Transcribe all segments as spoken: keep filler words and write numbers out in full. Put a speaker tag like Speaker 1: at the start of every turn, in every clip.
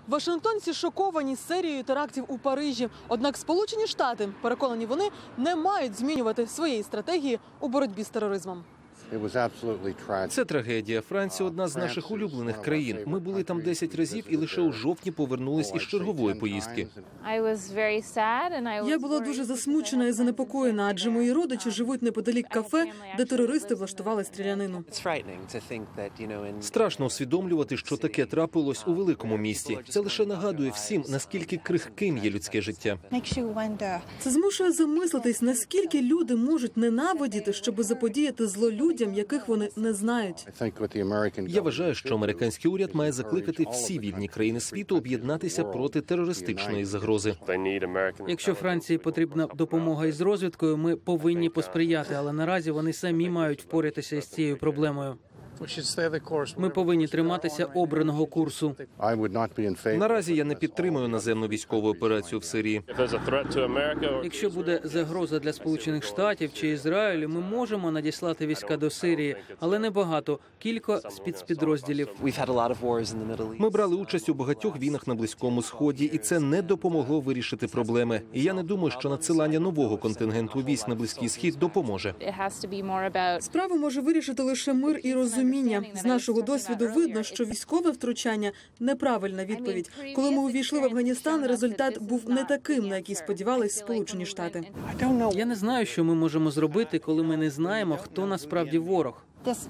Speaker 1: Вашингтонці шоковані серією терактів у Парижі. Однак Сполучені Штати, переконані вони, не мають змінювати своєї стратегії у боротьбі з тероризмом.
Speaker 2: Це трагедія. Франція – одна з наших улюблених країн. Ми були там десять разів і лише у жовтні повернулись із чергової поїздки.
Speaker 1: Я була дуже засмучена і занепокоєна, адже мої родичі живуть неподалік кафе, де терористи влаштували стрілянину.
Speaker 2: Страшно усвідомлювати, що таке трапилось у великому місті. Це лише нагадує всім, наскільки крихким є людське життя.
Speaker 1: Це змушує замислитись, наскільки люди можуть ненавидіти, щоб заподіяти зло людям, яких вони не знають.
Speaker 2: Я вважаю, що американський уряд має закликати всі вільні країни світу об'єднатися проти терористичної загрози.
Speaker 3: Якщо Франції потрібна допомога із розвідкою, ми повинні посприяти, але наразі вони самі мають впоратися із цією проблемою. Ми повинні триматися обраного курсу.
Speaker 2: Наразі я не підтримую наземну військову операцію в Сирії.
Speaker 3: Якщо буде загроза для Сполучених Штатів чи Ізраїлю, ми можемо надіслати війська до Сирії, але не багато, кілька спецпідрозділів.
Speaker 2: Ми брали участь у багатьох війнах на Близькому Сході, і це не допомогло вирішити проблеми. І я не думаю, що надсилання нового контингенту військ на Близький Схід допоможе.
Speaker 1: Справу може вирішити лише мир і розуміння. З нашого досвіду видно, що військове втручання – неправильна відповідь. Коли ми увійшли в Афганістан, результат був не таким, на який сподівались Сполучені Штати.
Speaker 3: Я не знаю, що ми можемо зробити, коли ми не знаємо, хто насправді ворог.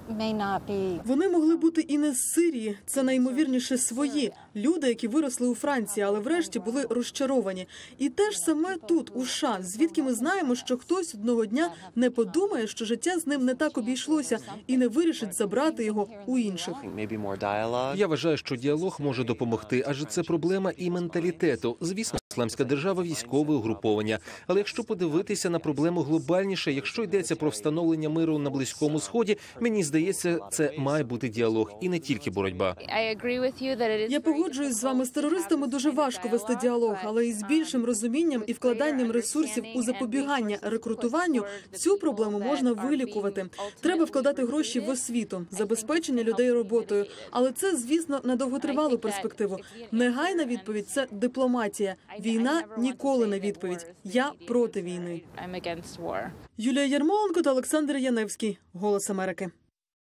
Speaker 1: Вони могли бути і не з Сирії. Це найімовірніше свої. Люди, які виросли у Франції, але врешті були розчаровані. І те ж саме тут, у США, звідки ми знаємо, що хтось одного дня не подумає, що життя з ним не так обійшлося і не вирішить забрати його у інших.
Speaker 2: Я вважаю, що діалог може допомогти, адже це проблема і менталітету. Звісно, Ісламська держава – військове угруповання. Але якщо подивитися на проблему глобальніше, якщо йдеться про встановлення миру на Близькому Сході, мені здається, це має бути діалог і не тільки боротьба.
Speaker 1: Я погоджуюсь з вами, з терористами дуже важко вести діалог, але із більшим розумінням і вкладанням ресурсів у запобігання рекрутуванню цю проблему можна вилікувати. Треба вкладати гроші в освіту, забезпечення людей роботою. Але це, звісно, на довготривалу перспективу. Негайна відповідь – це дипломатія. Війна ніколи не відповідь. Я проти війни. Юлія Ярмоленко та Олександр Яневський. Голос Америки.